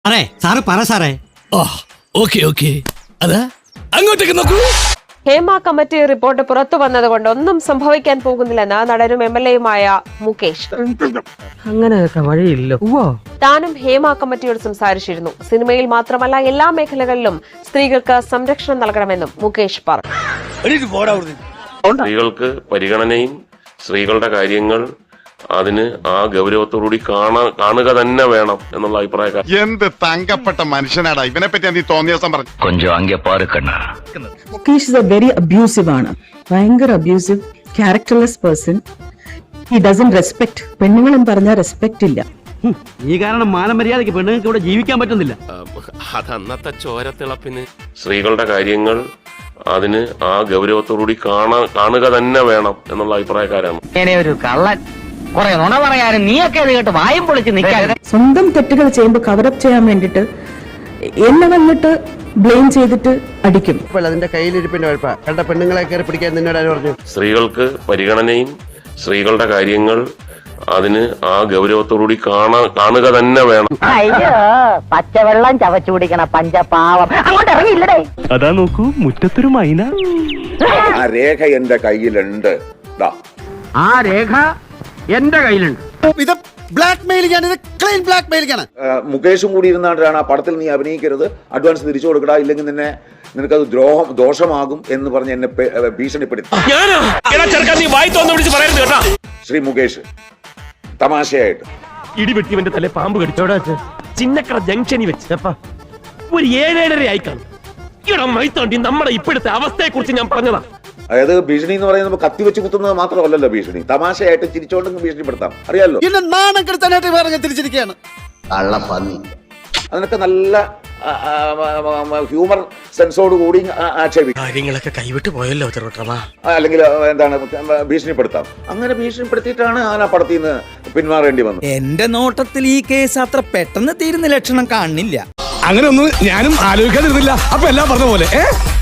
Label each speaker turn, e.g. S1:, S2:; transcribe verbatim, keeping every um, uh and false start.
S1: അതെ സാറ് പറ സാറേ.
S2: ഓക്കെ ഓക്കെ അതാ അങ്ങോട്ടേക്ക് നോക്കൂ.
S3: ഹേമ കമ്മിറ്റി റിപ്പോർട്ട് പുറത്തു വന്നതുകൊണ്ട് ഒന്നും സംഭവിക്കാൻ പോകുന്നില്ലെന്ന് നടനും എം എൽ എയുമായ മുകേഷ്.
S4: അങ്ങനെ വഴിയില്ലോ.
S3: താനും ഹേമ കമ്മിറ്റിയോട് സംസാരിച്ചിരുന്നു. സിനിമയിൽ മാത്രമല്ല എല്ലാ മേഖലകളിലും സ്ത്രീകൾക്ക് സംരക്ഷണം നൽകണമെന്നും മുകേഷ് പറഞ്ഞു.
S5: സ്ത്രീകൾക്ക് പരിഗണനയും സ്ത്രീകളുടെ കാര്യങ്ങൾ അതിന് ആ ഗൗരവത്തോടുകൂടി കാണാ കാണുക തന്നെ വേണം എന്നുള്ള അഭിപ്രായക്കാർ.
S6: എന്ത് തങ്കപ്പെട്ട മനുഷ്യനാടാ ഇവനെ പറ്റി നീ തോന്നിയ ദിവസം പറഞ്ഞു.
S7: കൊഞ്ചം അங்கே பாரு கண்ணா.
S8: Mukesh is a very abusive ആണ്. ഭയങ്കര abusive, characterless person. He doesn't respect. പെണ്ണുങ്ങളും പറഞ്ഞാൽ റെസ്പെക്ട് ഇല്ല.
S1: ഈ കാരണം മാനമര്യാദയ്ക്ക് പെണ്ണുങ്ങൾക്ക് ഇവിടെ ജീവിക്കാൻ പറ്റുന്നില്ല.
S2: അതന്നത്തെ ചോരത്തിളപ്പിന്
S5: സ്ത്രീകളുടെ കാര്യങ്ങൾ അതിന് ആ ഗൗരവത്തോടുകൂടി കാണാ കാണുക തന്നെ വേണം എന്നുള്ള അഭിപ്രായക്കാരാണ്.
S4: ഒരു കള്ളൻ കുറെ നുണ പറയാനും നീയൊക്കെ അത് കേട്ട് വായും പൊളിച്ച് നിൽക്കാൻ.
S8: സ്വന്തം തെറ്റുകൾ ചെയ്യുമ്പോൾ കവറപ്പ് ചെയ്യാൻ വേണ്ടിട്ട് എന്നെ വന്നിട്ട് ബ്ലെയിം ചെയ്തിട്ട് അടിക്കും.
S9: അതിന്റെ കയ്യിലിരിപ്പിന്റെ കുഴപ്പ കണ്ട പെണ്ണുങ്ങളെ കയറി പിടിക്കാൻ നിന്നോട് ആര് പറഞ്ഞു?
S5: സ്ത്രീകൾക്ക് പരിഗണനയും സ്ത്രീകളുടെ കാര്യങ്ങൾ അതിന് ആ ഗൗരവത്തോടുകൂടി കാണാ കാണുക തന്നെ വേണം.
S4: അയ്യോ പച്ചവെള്ളം ചവച്ചു കുടിക്കണ പഞ്ചപാവം അങ്ങോട്ട് ഇറങ്ങിയില്ലടേ.
S1: അതാ നോക്കൂ മുറ്റത്തൊരു മൈന.
S10: ആ രേഖ എന്റെ കയ്യിലുണ്ട്.
S4: ആ രേഖ എന്റെ കയ്യിലുണ്ട്.
S9: ഇത് ബ്ലാക്ക് മെയിലിംഗ് ആണ്. ഇത് ക്ലീൻ ബ്ലാക്ക് മെയിലിംഗ് ആണ്.
S10: മുകേഷും കൂടി ഇരുന്നാണ്ടാണ് ആ പടത്തിൽ നീ അഭിനയിക്കരുത്, അഡ്വാൻസ് തിരിച്ചു കൊടുക്കടാ, ഇല്ലെങ്കിൽ നിന്നെ നിനക്കത് ദ്രോഹം ദോഷമാകും എന്ന് പറഞ്ഞ് എന്നെ ഭീഷണിപ്പെടുത്തി. ശ്രീ മുകേഷ് തമാശയായിട്ട്
S2: ഇടിവെട്ടിവന്റെ തല പാമ്പ് കടിച്ചോടാ ചിന്നക്കട ജംഗ്ഷനിൽ വെച്ചപ്പ ഒരു ഏഴേഴര ആയിക്കാണ്. ഇവിടെ മൈത്തോണ്ടി നമ്മുടെ ഇപ്പോഴത്തെ അവസ്ഥയെ കുറിച്ച് ഞാൻ പറഞ്ഞതാ.
S10: അതായത് ഭീഷണി എന്ന് പറയുന്നത് കത്തി വെച്ച് കുത്തുന്നത് മാത്രമല്ലല്ലോ ഭീഷണി, തമാശയായിട്ട് ചിരിച്ചോണ്ടെങ്കിൽ ഭീഷണിപ്പെടുത്താം, അറിയാലോ.
S9: എന്നെ നാണം കെടുത്താനായിട്ട് വേറെ തിരിച്ചിരിക്കുകയാണ്.
S10: അതിനൊക്കെ നല്ല ഹ്യൂമർ സെൻസോട് കൂടി ആക്ഷേപിക്കും.
S2: കാര്യങ്ങളൊക്കെ കൈവിട്ട് പോയല്ലോ ചെറുട്ടമാ.
S10: അല്ലെങ്കിൽ എന്താണ് ഭീഷണിപ്പെടുത്താം. അങ്ങനെ ഭീഷണിപ്പെടുത്തിയിട്ടാണ് ആ പടത്തിൽ നിന്ന് പിന്മാറേണ്ടി വന്നത്.
S9: എന്റെ നോട്ടത്തിൽ ഈ കേസ് അത്ര പെട്ടെന്ന് തീരുന്ന ലക്ഷണം കാണുന്നില്ല.
S2: അങ്ങനെ ഒന്നും ഞാനും ആലോചിക്കാതിരുന്നില്ല. അപ്പൊ എല്ലാം പറഞ്ഞ പോലെ